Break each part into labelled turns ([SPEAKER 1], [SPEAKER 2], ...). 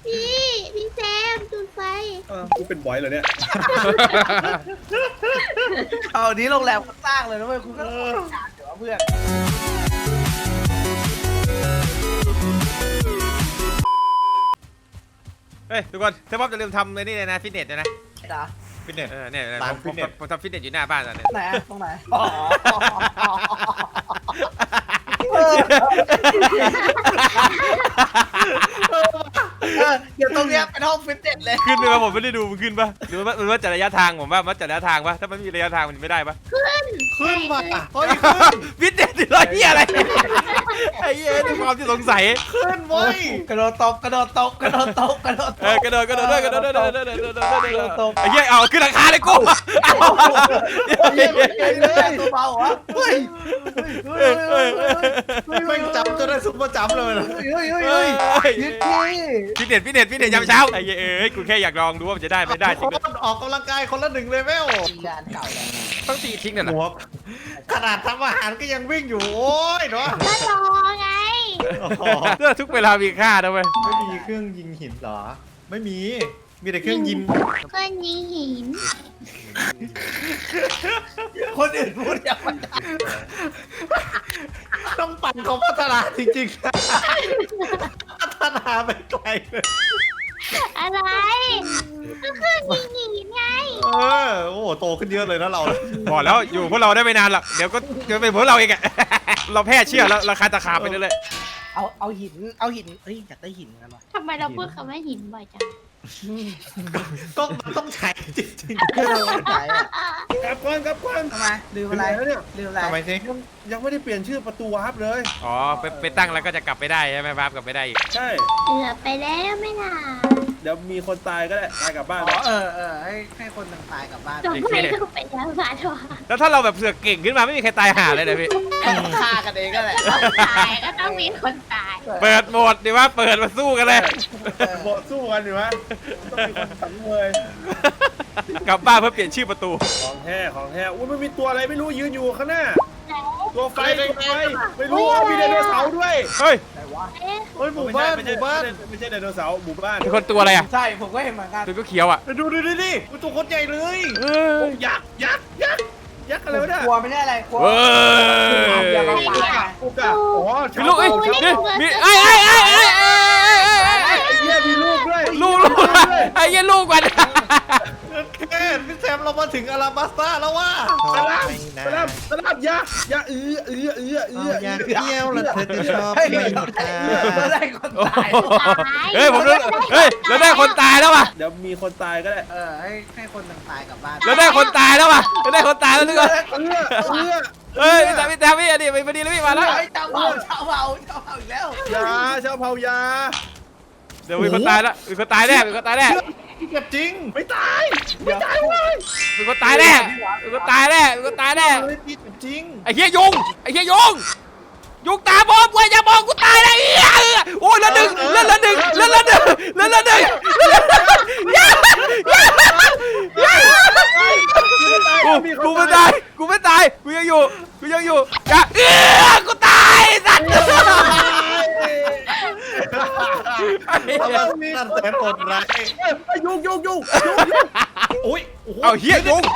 [SPEAKER 1] พี่แซมจุดไฟ
[SPEAKER 2] กูเป็นบอยเหรอเนี่ย
[SPEAKER 3] เอานี้โรงแรมเขาสร้างเลยนะเว้ยคุณก็จ่ายเดี๋ยวเพื่อน
[SPEAKER 4] เฮ้ยทุกคนถ้าป๊อปจะลืมทำไอ้นี่เลยนะฟิตเนสนะ
[SPEAKER 3] จ้ะ
[SPEAKER 4] ฟิตเนสเนี่ย
[SPEAKER 2] ร้าน
[SPEAKER 4] ผม
[SPEAKER 2] ฟิตเนส
[SPEAKER 4] ผมทำฟิตเนสอยู่หน้าบ้านตอนนี้
[SPEAKER 3] ไหนอะตรงไหนอ๋อเดี๋ยวตรงเนี้ยเป็นห้องฟิตเนสเลย
[SPEAKER 4] ขึ้นไปป่ะผมไม่ได้ดูมันขึ้นป่ะหรือว่ามันวัดจากระยะทางผมว่าวัดจากระยะทางป่ะถ้ามันมีระยะทางมันไม่ได้ป่ะ
[SPEAKER 2] ขึ้นมาเฮ้ย
[SPEAKER 4] ฟิตเนสที่ร้อยเหี้ยอะไรไอ้เหี้ยด้วยความที่สงสัย
[SPEAKER 2] ขึ้นเว้ย
[SPEAKER 3] กระโดดตบกระโดดตบกระโดดตบกระโดดตบ
[SPEAKER 4] กระโดดด้วยไอ้เหี้ยเอาขึ้นราคาเลยกู
[SPEAKER 3] ตัวเบาเหรอเฮ้ย
[SPEAKER 2] ไม่จับจนได้ซุปเปอร์จัมเลยนะ
[SPEAKER 3] เฮ้ยยึดที่
[SPEAKER 4] ฟิตเนสยามเช้าไอ้เหี้ยกูแค่อยากลองดูว่ามันจะได้ไม่ได้จริง
[SPEAKER 2] ออกกำลังกายคนละ1 เลเวล
[SPEAKER 3] ยานเก่าแล้ว
[SPEAKER 4] ต้องตีทิ้งน่ะเหรอ
[SPEAKER 2] หัวขนาดทำอาหารก็ยังวิ่งอยู่โอ้ยเนาะ
[SPEAKER 1] ก็รอไง
[SPEAKER 4] ทุกเวลามีค่านะเว้ย
[SPEAKER 2] ไม่มีเครื่องยิงหินเหรอไม่มีแต่เครื่องยิง
[SPEAKER 1] เพื่อนยิงหิน
[SPEAKER 3] คนอื่นพูดยังไม่ได้
[SPEAKER 2] ต้องปั่นเขาพัฒนาจริงๆพัฒนาไปไกลเลย
[SPEAKER 1] อะไรก็เพื่อนยิงหินไง
[SPEAKER 2] โอ้โหโตขึ้นเยอะเลยนะเรา
[SPEAKER 4] บอกแล้วอยู่พวกเราได้ไม่นานหรอกเดี๋ยวก็เป็นพวกเราเองอะเราแพ้เชื่อแล้วราคาตะขาบไปเรื่อย
[SPEAKER 3] เอาหินเฮ้ยอยากได้หินกันวะ
[SPEAKER 1] ทำไมเราพูดคำว่าหินบ่อยจัง
[SPEAKER 2] ก็มันต้องใช้จริง
[SPEAKER 3] ขายอ่ะ
[SPEAKER 5] กลับก่อน
[SPEAKER 3] ทำไมลืมอะไร
[SPEAKER 5] เนี่ย
[SPEAKER 3] ลืมอะไร
[SPEAKER 2] ๆทำไมสิ
[SPEAKER 5] ยังไม่ได้เปลี่ยนชื่อประตูวาร์ปเลย
[SPEAKER 4] ๆอ๋อไปตั้งแล้วก็จะกลับไปได้ใช่ไหมครับกลับไปได้อีก
[SPEAKER 5] ใช่
[SPEAKER 1] เกือบไปแล้วไม่น่า
[SPEAKER 5] เดี๋ยวมีคนตายก็ได้ตายกลับบ้าน
[SPEAKER 3] อ๋อให้คนต่างตายกลับบ้าน
[SPEAKER 1] จบไม่ต้องไปแล้วมาทว่า
[SPEAKER 4] แล้วถ้าเราแบบเสือกเก่งขึ้นมาไม่มีใครตายหาเลยนะพี่
[SPEAKER 3] ฆ่ากันเองก็แหละ
[SPEAKER 1] ตายก็ต้องมีคนตาย
[SPEAKER 4] เปิดโหมดดีว่าเปิดมาสู้กันเลย
[SPEAKER 5] โบะสู้กันอยู่วะต้องมีคนสังเวย
[SPEAKER 4] กลับบ้านเพื่อเปลี่ยนชื่อประตู
[SPEAKER 5] ของแท้อุ้ยมันมีตัวอะไรไม่รู้ยืนอยู่ข้างหน้า ตัวไฟไม่รู้มีไดโนเสาร์ด้วย
[SPEAKER 4] เฮ้ย
[SPEAKER 3] ไหนวะ
[SPEAKER 1] เอ๊ะ
[SPEAKER 2] เฮ้ยหมู่บ้าน
[SPEAKER 5] ไม่ใช่ไดโนเสาร์หมู่บ้าน
[SPEAKER 4] เป็นคนตัวอะไรอ่ะ
[SPEAKER 3] ใช่ผมก็เห็นเหมือนกัน
[SPEAKER 4] ตัวก็เขียวอ่ะ
[SPEAKER 2] ดูดิมันตัวคนใหญ่เลย
[SPEAKER 5] ยักษ์อะไรวะเนี่ย
[SPEAKER 3] กลัวไม่ได้อะไรกลัว
[SPEAKER 4] เฮ้ย
[SPEAKER 3] อย่ามาปา
[SPEAKER 5] กูกะอ๋อ
[SPEAKER 4] มีลูกเอ้ยมีไอ้
[SPEAKER 5] เหี้ยมีลูกด้วย
[SPEAKER 4] ลูกไอ้เหี้ยลูกกัน
[SPEAKER 2] แค่พี่แซมเรามาถึงอาราบัสตาแล้วว่า
[SPEAKER 5] สลับยักษ์เอื้อ
[SPEAKER 2] เที่ยวแล้วเธอจะชอบ
[SPEAKER 3] เฮ้ยเราได้คนตาย
[SPEAKER 4] เฮ้ยผมเฮ้ยเราได้คนตายแล้วว่ะ
[SPEAKER 5] เดี๋ยวมีคนตายก็ได้
[SPEAKER 3] ให้คนต่างตายกลับบ้าน
[SPEAKER 4] เราได้คนตายแล้วว่ะเราได้คนตายแล้วทุกคน
[SPEAKER 5] เอื้อ
[SPEAKER 4] เฮ้ยพี่ตาพี่อันนี้ไปดีแล้วพี่มาแล้ว
[SPEAKER 3] เจ้าเผาอีกแล้ว
[SPEAKER 5] ยาชาวเผายา
[SPEAKER 4] เดี๋ยวมีคนตายแล้วมีคนตายแน่มีคนตายแน่
[SPEAKER 2] เจ็บจริง
[SPEAKER 5] ไม่ตายเลย
[SPEAKER 4] มีคนตายแน่มีคนตายแน่มีคนตายแน่
[SPEAKER 2] เฮ้ยพี่เจ็บจริง
[SPEAKER 4] ไอ้เหี้ยยุงตาบอมกูอย่ามองกูตายเลยโอ้ยละหนึ่งกูไม่ตายกูยังอยู่อย่ากูตายสัตว์
[SPEAKER 2] นั่นแสนโหดร้าย
[SPEAKER 5] ยุง
[SPEAKER 2] อุ้ย
[SPEAKER 4] เอาเหี้ยยุง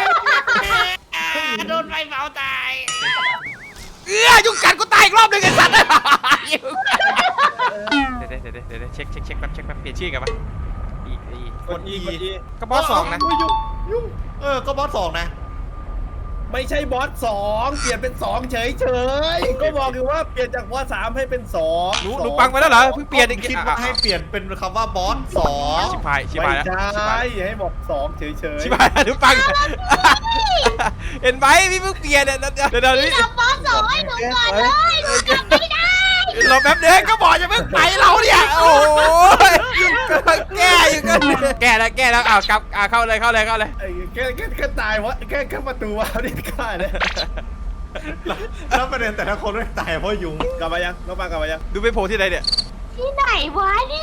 [SPEAKER 1] โดนไฟเผาตาย
[SPEAKER 4] ยุงกัดกูตายอีกรอบหนึ่งไอ้สัตว์เดี๋ยวเช็คแป๊บเปลี่ยนชื่อกันปะอี
[SPEAKER 5] กด E
[SPEAKER 4] ก็บอสสองนะ
[SPEAKER 2] ยุ่งก็บอสสองนะ
[SPEAKER 5] ไม่ใช่บอส2เปลี่ยนเป็น2เฉยก็บอกอยู่ว่าเปลี่ยนจากบอส3ให้เป็น2
[SPEAKER 4] หนูปังไปแล้วเหรอเพิ่งเปลี่ยนอีก
[SPEAKER 2] คิดว่าให้เปลี่ยนเป็นคำว่าบอสสอง
[SPEAKER 4] ชิบหาย
[SPEAKER 5] ไม่
[SPEAKER 4] แล้ว
[SPEAKER 5] ใช่ให้บอก2เฉย
[SPEAKER 4] ชิบหายแล้วหนูปังเห็นไหมพี่เพิ่งเปลี่ยนเดี๋ยวนี้
[SPEAKER 1] จับบอสสองให้หนูก่อนเลยหนูจับไม่ได้
[SPEAKER 4] รอแป๊บเดียวก็บอกจะเพิ่งไปเราเนี่ยโอ้ยแก้อยู่กันแก้แล้วอ้าวกลับเข้าเลย
[SPEAKER 5] ไอ้แค่ตายวะแค่ประตูวะนี่กล้าเนี่ย
[SPEAKER 2] แล้วประเด็นแต่ละคนไม่ตายเพราะยุง
[SPEAKER 5] กลับมายังน้องปังกลับมายัง
[SPEAKER 4] ดูไปโผล่ที่ไหนเนี่ย
[SPEAKER 1] ที่ไหนวะเนี่ย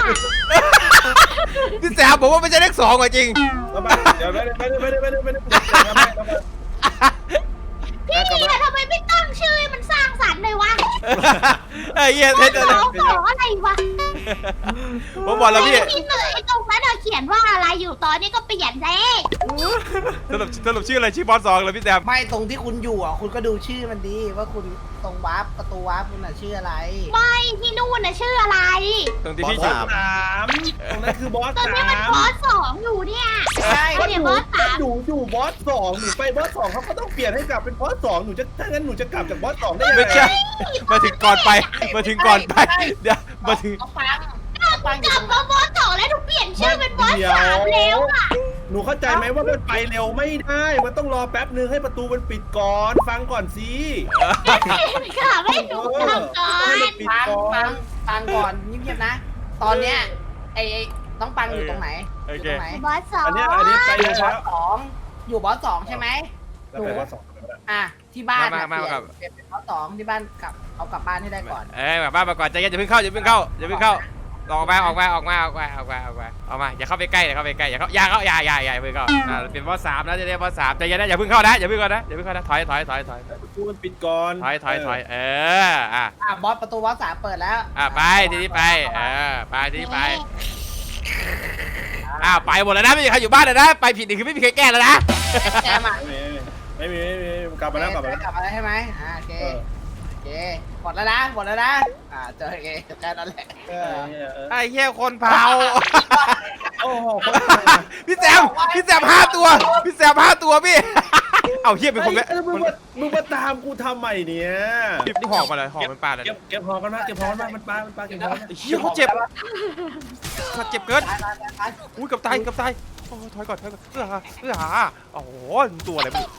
[SPEAKER 4] พี่แซมบอกว่าไม่ใช่เลข2อ่ะจริง
[SPEAKER 5] น้องปังเดี๋ยวไม่ได้
[SPEAKER 1] พี่อะทำไมไม่ตั้งชื่อให้มันสร้างสรรค์เลยวะ
[SPEAKER 4] ไอ้เหี้ย
[SPEAKER 1] บอสสองอะไรวะ
[SPEAKER 4] ผมบอกแล้วพี่
[SPEAKER 1] พี่เหนื่อยตรงนั้นเขียนว่าอะไรอยู่ตอนนี้ก็เปลี่ยนเลย
[SPEAKER 4] สรุปชื่ออะไรชื่อบอส2เลยพี่แซม
[SPEAKER 3] ไม่ตรงที่คุณอยู่อ่ะคุณก็ดูชื่อมันดีว่าคุณตรงวาร์ปประตูวาร์ปคุณน่ะชื่ออะไร
[SPEAKER 1] ไม่ที่นู่นน่ะชื่ออะไร
[SPEAKER 4] ตรงที่พี่
[SPEAKER 5] บ
[SPEAKER 4] ชื่
[SPEAKER 5] อ
[SPEAKER 4] อ
[SPEAKER 5] ส3ตรงนั้นคือบอส
[SPEAKER 1] ตอนนี้มัน
[SPEAKER 5] 3
[SPEAKER 1] บอส2อยู่เนี่ย
[SPEAKER 3] ใช่
[SPEAKER 1] เดี๋ยวบอส3
[SPEAKER 5] หนูอยู่บอส2หนูไปบอส2เขาก็ต้องเปลี่ยนให้กลับเป็นบอส2หนูจะถ้างั้นหนูจะกลับจากบอส2ได้ยังไง
[SPEAKER 4] ไม่ใช่มาถึงก่อนไปมาถึงก่อนไปเดี๋ยวมาถึง
[SPEAKER 3] เอาปังอยู่
[SPEAKER 1] กลั
[SPEAKER 3] ต
[SPEAKER 1] บ
[SPEAKER 3] รงไหน
[SPEAKER 1] มาบอส2แล้วถูกเปลี่ยนชื่อเป็นบอส3แล้วอ่ะ
[SPEAKER 5] หนูเข้าใจไหมว่ามันไปเร็วไม่ได้ มันต้องรอแป๊บนึงให้ประตูมันปิดก่อน ฟังก่อนสิ
[SPEAKER 1] ค่ะไม่ถูกทำก่อน
[SPEAKER 5] ปิด
[SPEAKER 3] ปัง
[SPEAKER 5] ก่อ
[SPEAKER 3] ปั
[SPEAKER 5] น
[SPEAKER 3] งปังก่อนเงียบๆนะ ตอนเนี้ยไอ้น้องปังอยู่ตรงไหนอยู่ตรงไหน
[SPEAKER 1] บอส2
[SPEAKER 5] อันนี้ไป
[SPEAKER 3] อยู่บอ
[SPEAKER 5] แล้
[SPEAKER 3] ส
[SPEAKER 5] ว
[SPEAKER 3] สองอยู่บอสสองใช่ไหม
[SPEAKER 5] แล้วไปบอส2
[SPEAKER 3] อ่ะที่บ้านน่ะ
[SPEAKER 4] มาครับ
[SPEAKER 3] เปลี่ยนเป็นบอสสองที่บ้านเอากลับบ้านให้ได้ก่อน
[SPEAKER 4] แบบบ้านมาก่อนใจเย็นอย่าเพิ่งเข้าอย่าเพิ่งเข้าอย่าเพิ่งเข้าออกมาอย่าเข้าไปใกล้อย่าเข้าไปใกล้อย่าเพิ่งเข้าเป็นบอส3นะจะได้บอส3ใจเย็นนะอย่าเพิ่งเข้านะถอย
[SPEAKER 5] ประตูมันปิดก่อน
[SPEAKER 4] อ่ะ
[SPEAKER 3] บอสประตูบอสสามเปิดแล้ว
[SPEAKER 4] ไปทีนี้ไปไปทีนี้ไปไปหมดแล้วนะไม่มีใครอยู่บ้านเลยนะไปผิดนี่คือไม่มีใครแก้แล้วนะ
[SPEAKER 3] แจมอ่ะ
[SPEAKER 5] ไม่มีกลับมาแล้ว
[SPEAKER 3] กลับมาแล้วใช่ไหมโอเคโอเคหมดแล้วนะเจอโอเคแค่นั้นแหละ
[SPEAKER 4] ไอ้เหี้ยคนเผา
[SPEAKER 5] โอ้โห
[SPEAKER 4] พี่แซม5 ตัวพี่แซม5 ตัวพี่เอาเหี้ยเป็นคนแม่
[SPEAKER 5] มึงมาตามกูทำใหม่เนี่ย
[SPEAKER 4] นี่หอกมาเลยหอกมันปลาเลย
[SPEAKER 5] เก็บหอกันมามันปลาเก็บหอ
[SPEAKER 4] เหี้ยเขาเจ็บเกิน
[SPEAKER 3] ตาย
[SPEAKER 4] อุ้ยกับตายโอ้ถอยก่อนโอ้โหตัวอะไรมึง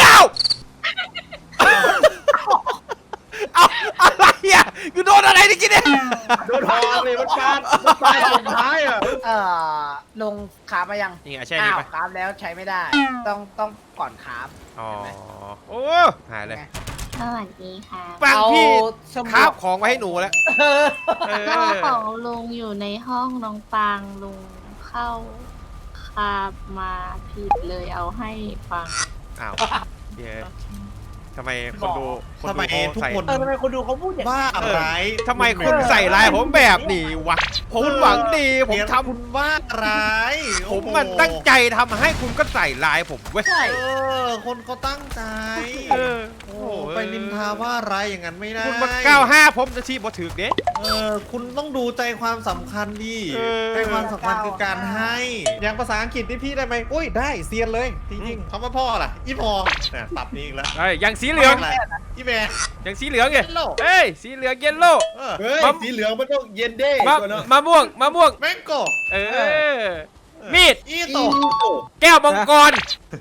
[SPEAKER 4] เอาอะไรอ่ะกูโดนอะไรนี่กินเนี่ย
[SPEAKER 5] โดนหอเลยมันปลาสุดท้ายอ่ะ
[SPEAKER 3] ลงขามายัง
[SPEAKER 4] นี่ใช่นี่
[SPEAKER 3] อ้าว
[SPEAKER 4] ไป
[SPEAKER 3] คราฟแล้วใช้ไม่ได้ ต้องก่อนคราฟ
[SPEAKER 4] อ๋อโอ้หายเลย
[SPEAKER 1] สวัสดีค่ะ
[SPEAKER 4] ปังพี่
[SPEAKER 3] สมุด
[SPEAKER 4] คาบของมาให้หนูแล้ว
[SPEAKER 1] ก็ของลุงอยู่ในห้องน้องปางลุงเข้าคาบมาผิดเลยเอาให้ฟัง
[SPEAKER 4] อ้าวเดี๋ยวทำไมคนดู
[SPEAKER 2] ทำไมทุกคน
[SPEAKER 3] ทำไมคนดูเขาพูดอย่างนี้
[SPEAKER 2] บ้าอะไร
[SPEAKER 4] ทำไมคุณใส่ลายผมแบบนี้วะผมหวังดีผมทำ
[SPEAKER 2] คุณว่าร้าย
[SPEAKER 4] ผมมันตั้งใจทำให้คุณก็ใส่ลายผมเว้ย
[SPEAKER 3] ใช่
[SPEAKER 2] คนเขาตั้งใจ
[SPEAKER 4] โอ้
[SPEAKER 2] โอ้ไปนินทาว่าร้ายอย่างนั้นไม่ได้
[SPEAKER 4] คุณมา95ผมจะชี้บ่ถึกเด้
[SPEAKER 2] คุณต้องดูใจความสำคัญดิ
[SPEAKER 4] เออ
[SPEAKER 2] ใจความสำคัญคือการให้ อย่างภาษาอังกฤษนี่พี่ได้ไหมอุ้ยได้เซียนเลยจริงๆคำว่าพ่อล่ะอีพอเนี่ยตับนี้อีกแล้ว
[SPEAKER 4] เอ้ยยังสีเหลือง
[SPEAKER 2] อะไรอีแม่
[SPEAKER 4] ยังสีเหลืองไง
[SPEAKER 2] Yellow
[SPEAKER 4] เอ้ยสีเหลืองเยลโล่
[SPEAKER 5] เฮ้ยสีเหลืองมันต้องเย็นเด้
[SPEAKER 4] มะม่วง
[SPEAKER 2] แมงโก
[SPEAKER 4] เออมีด
[SPEAKER 2] อีโต
[SPEAKER 4] แก้วมังกร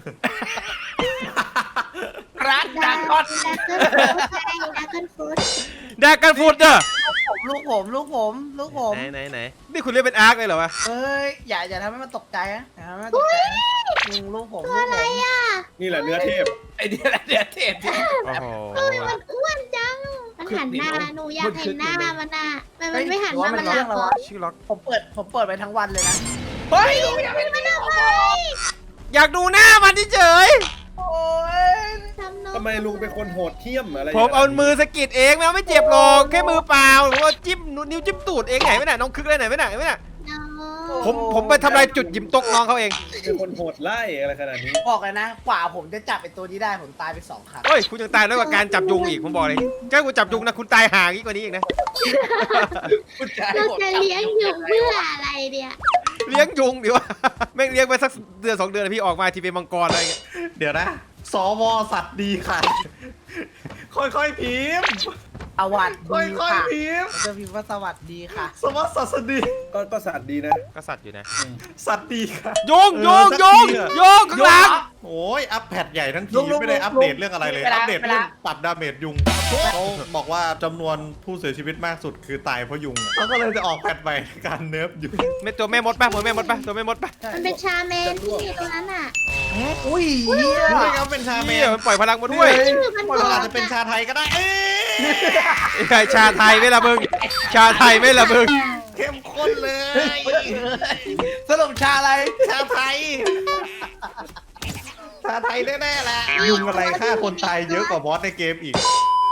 [SPEAKER 3] รักดังก้อน
[SPEAKER 1] ดักเกิลฟูด
[SPEAKER 4] ดากันฟูดเด้อ
[SPEAKER 3] ลูกผม
[SPEAKER 4] ไหนนี่คุณเรียกเป็นอาร์คเลยเหรอวะ
[SPEAKER 3] เอ้ยอย่าทำให้มันตกใจนะอย่าทำให้มันตกใจลูกผมอะไรอ่ะ
[SPEAKER 5] นี่แหละเนื้อเทพ
[SPEAKER 3] ไอเดียเทป
[SPEAKER 4] โอ้โห
[SPEAKER 1] มันอ้วนจัง มันหันหน้าหนูอยากเห็นหน้ามันอ่ะมันไม่หันหน้ามันหลังเหรอ
[SPEAKER 4] ชื่อล็อก
[SPEAKER 3] ผมเปิดไปทั้งวันเลยนะเฮ้ย
[SPEAKER 1] มันไม่ทำไม
[SPEAKER 4] อยากดูหน้ามันเฉย
[SPEAKER 3] โอ้ย
[SPEAKER 5] ทำไมลุงเป็นคนโหดเที่ยมอะไร
[SPEAKER 4] ผมเอามือสะกิดเองไม่เจ็บหรอกแค่มือเปล่าหรือว่าจิ้มนิ้วจิ้มตูดเองไหนไม่ไหนน้องคึกเลยไหนไม่ไหนผมไปทำลายจุดหยิมตกน้องเขาเอง
[SPEAKER 5] เป็นคนโหดไล่อะไรขนาดนี้
[SPEAKER 3] บอกเลยนะกว่าผมจะจับไอตัวนี้ได้ผมตายไป2 ครั้ง
[SPEAKER 4] เฮ้ยคุณยังตายน้อยกว่าการจับยุงอีกผมบอกเลยแค่คุณจับยุงนะคุณตายห่างอีกกว่านี้อีกนะ
[SPEAKER 1] เราจะเลี้ยงอยู่เพื่ออะไรเนี่ย
[SPEAKER 4] เลี้ยงยุงดีวะแม่งเลี้ยงไปสักเดือน2 เดือนพี่ออกมาทีเป็นมังกรอะไรเงี้ย
[SPEAKER 2] เดี๋ยวนะสวสัตว์ดีค่ะ ค่อยๆพิมพ์
[SPEAKER 3] สวัส
[SPEAKER 2] ค่
[SPEAKER 3] ดี
[SPEAKER 2] อย
[SPEAKER 3] ค่ะ
[SPEAKER 2] ๆพิมพ์
[SPEAKER 3] จะพิมพ์ว่าสวัสดีค่ะ
[SPEAKER 2] สวัสดี
[SPEAKER 5] ก็สัตว์ดีนะ
[SPEAKER 4] ก็สัตว์อยู่นะ
[SPEAKER 2] สัตว์ดีค่ะ
[SPEAKER 4] ยุงข้างหลัง
[SPEAKER 2] โอ้ยอัปแพดใหญ่ทั้งที
[SPEAKER 3] ลุง
[SPEAKER 2] ไม่ได้อัปเดตเรื่องอะไรเลย
[SPEAKER 3] เวลา
[SPEAKER 2] อัปเดต
[SPEAKER 3] เว
[SPEAKER 2] เรื่
[SPEAKER 3] ลา
[SPEAKER 2] องปรับดาเมจยุงเขาบอกว่าจำนวนผู้เสียชีวิตมากสุดคือตายเพราะยุงเขาก็เลยจะออกแพดใหม่ในการเนิร์ฟยุง
[SPEAKER 4] ไม่ตัวแม่มดป่ะตัวแม่มดป่ะ
[SPEAKER 1] มันเป็นชาเมนที่ตรงนั้นอ่ะ
[SPEAKER 3] อุ้ย
[SPEAKER 2] รู้ไหมครับเป็นชาเม
[SPEAKER 4] นี่
[SPEAKER 2] น
[SPEAKER 4] มันปล่อยพลังมาด้วย
[SPEAKER 2] มันอาจจะเป็นชาไทยก็ได้เอ๊ะ
[SPEAKER 4] ชาไทยไม่ละมึงชาไทยไม่ละมึง
[SPEAKER 2] เข้มข้นเลย
[SPEAKER 3] สรุปชาอะไร
[SPEAKER 2] ชาไทยชาไทยแน่ๆแหละยุงอะไรฆ่าคนตายเยอะกว่าบอสในเกมอีก